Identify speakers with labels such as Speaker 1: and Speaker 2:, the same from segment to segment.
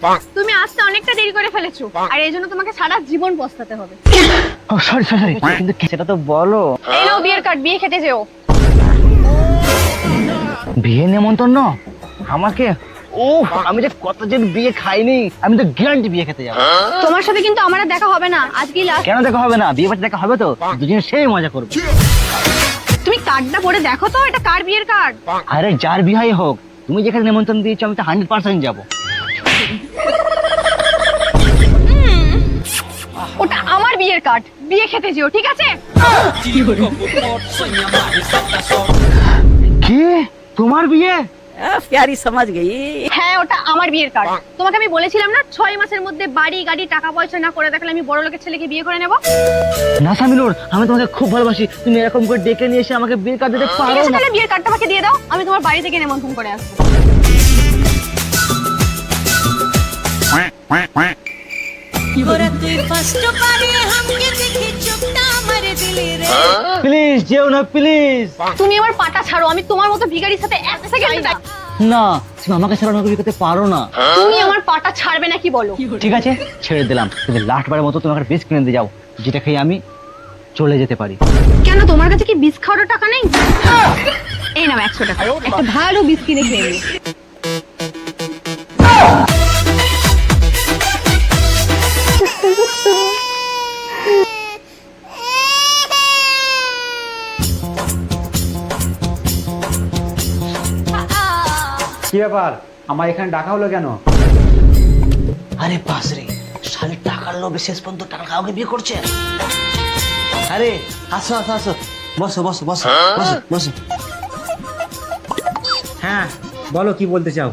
Speaker 1: তুমি আসতে অনেকটা দেরি করে ফেলেছো, আর এই জন্য তোমাকে সারা জীবন পস্তাতে হবে।
Speaker 2: ও সরি সরি সরি, কিন্তু সেটা তো বলো।
Speaker 1: এই নাও বিয়ের কার্ড, বিয়ে খেতে যেও।
Speaker 2: বিয়ে নেমন্তন্ন আমাকে? ও আমি যে কতদিন বিয়ে খাইনি, আমি তো গ্যারান্টি বিয়ে খেতে যাবো।
Speaker 1: তোমার সাথে কিন্তু আমার আর দেখা হবে না, আজকেই লাস্ট।
Speaker 2: কেন দেখা হবে না? বিয়ে বাড়িতে দেখা হবে তো, দুজনে সেই মজা করবো।
Speaker 1: তুমি কার্ডটা পড়ে দেখো তো, এটা কার বিয়ের কার্ড?
Speaker 2: আরে যার বিহাই হোক, তুমি যেখানে নেমন্তন্ন দিয়েছো আমি তো 100% যাবো।
Speaker 1: ওটা আমার বিয়ের কার্ড, বিয়ে খেতে যেও, ঠিক আছে?
Speaker 2: কি তোমার বিয়ে?
Speaker 3: प्यारी समझ गई।
Speaker 1: হ্যাঁ, ওটা আমার বিয়ের কার্ড। তোমাকে আমি বলেছিলাম না 6 মাসের মধ্যে বাড়ি গাড়ি টাকা পয়সা না করে দেখালে আমি বড় লোকের ছেলেকে বিয়ে করে নেব।
Speaker 2: না সামিনুর, আমি তোমাকে খুব ভালোবাসি, তুমি এরকম করে ডেকে নিয়ে এসে আমাকে বিয়ের কার্ড দিতে
Speaker 1: ঠিক
Speaker 2: পারো
Speaker 1: আছে,
Speaker 2: না?
Speaker 1: তাহলে বিয়ের কার্ডটা আমাকে দিয়ে দাও, আমি তোমার বাড়ি থেকে নেমন্তন্ন করে আসবো।
Speaker 4: ওরা তুই ফার্স্ট পারে হামকে দেখে চোখটা আমারে দিলি রে।
Speaker 2: প্লিজ যেও না প্লিজ।
Speaker 1: তুমি আমার পাটা ছাড়ো, আমি তোমার মতো ভিখারির সাথে এক সেকেন্ড না।
Speaker 2: না তুমি আমাকে ছাড়া আমাকে বিয়ে করতে পারো না।
Speaker 1: তুমি আমার পাটা ছাড়বে নাকি বলো?
Speaker 2: ঠিক আছে ছেড়ে দিলাম, কিন্তু লাস্ট বারের মতো তোমাকে বিষ কিনে দিয়ে যাও, যেটা খেয়ে আমি চলে যেতে পারি।
Speaker 1: কেন, তোমার কাছে কি বিষ খাওয়ার টাকা নেই? এই নাও 100 টাকা, একটা ভালো বিষ কিনে খেয়ে নিও।
Speaker 5: কি ব্যাপার, আমার এখানে ডাকা হলো কেন?
Speaker 2: আরে বাস রে, শালি টাকার লোভে শেষ পর্যন্ত টাকা কাউকে বিয়ে করছে। আরে আসো আসো আসো, বসো বসো বসো বসো বসো।
Speaker 5: হ্যাঁ বলো, কি বলতে চাও?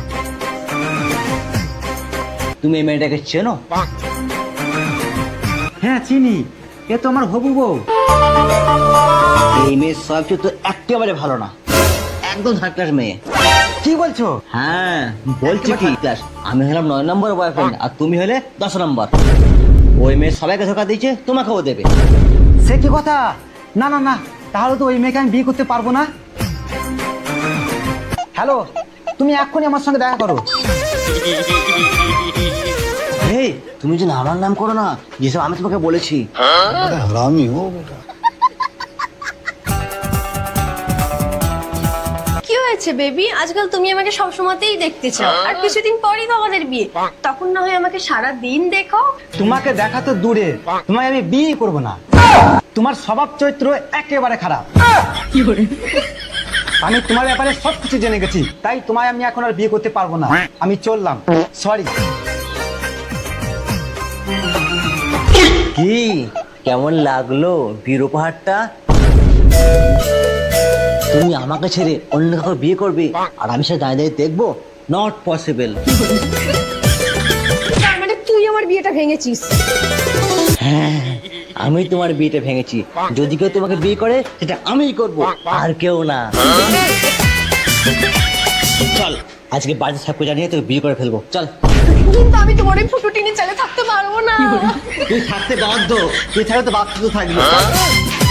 Speaker 2: তুমি এই মেয়েটাকে চেনো?
Speaker 5: হ্যাঁ চিনি, এ তো আমার হবু বউ।
Speaker 2: এই মেয়ে সব তো একেবারে ভালো না, একদম থার্ড ক্লাস মেয়ে।
Speaker 5: কি বলছো?
Speaker 2: হ্যাঁ বলছি কি ক্লাস, আমি হলাম 9 নম্বর বয়ফ্রেন্ড আর তুমি হলে 10 নম্বর। ওই মেয়ে সবাইকে ধোকা দিয়েছে, তোমাকেও দেবে।
Speaker 5: সে কি কথা? না না না, তাহলে তো ওই মেয়েকে আমি বিয়ে করতে পারবো না। হ্যালো, তুমি এক্ষুনি আমার সঙ্গে দেখা করো।
Speaker 2: এই তুমি যেন আমার নাম করো না, যেসব আমি তোমাকে বলেছি।
Speaker 6: কি হয়েছে বেবি? আজকাল তুমি আমাকে সবসময়তেই দেখতে চাও, আর কিছুদিন পরেই তো আমাদের বিয়ে, তখন না হয় আমাকে সারা দিন দেখো।
Speaker 5: তোমাকে দেখা তো দূরে, তোমায় আমি বিয়ে করবো না। তোমার স্বভাব চরিত্র একেবারে খারাপ। আমি তোমার ব্যাপারে সবকিছু জেনে গেছি, তাই তোমায় আমি এখন আর বিয়ে করতে পারবো না। আমি চললাম, সরি।
Speaker 2: কি কেমন লাগলো বীর উপহারটা? তুমি আমাকে ছেড়ে অন্য কাউকে বিয়ে করবে আর আমি সেটা দাঁড়িয়ে দাঁড়িয়ে দেখবো? Not possible.
Speaker 6: তার মানে তুই আমার বিয়েটা ভেঙেছিস?
Speaker 2: হ্যাঁ আমি তোমার বিয়েটা ভেঙেছি, যদি কেউ তোমাকে বিয়ে করে সেটা আমিই করব, আর কেউ না। চল আজকে বাড়িতে সবকে জানিয়ে তোকে বিয়ে করে ফেলবো, চল।
Speaker 6: কিন্তু আমি তোমার ওই ফুটো টিনে চালে থাকতে পারবো না।
Speaker 2: তুই থাকতে বাধ্য, তুই থাকলে তো বাধ্য থাকবি।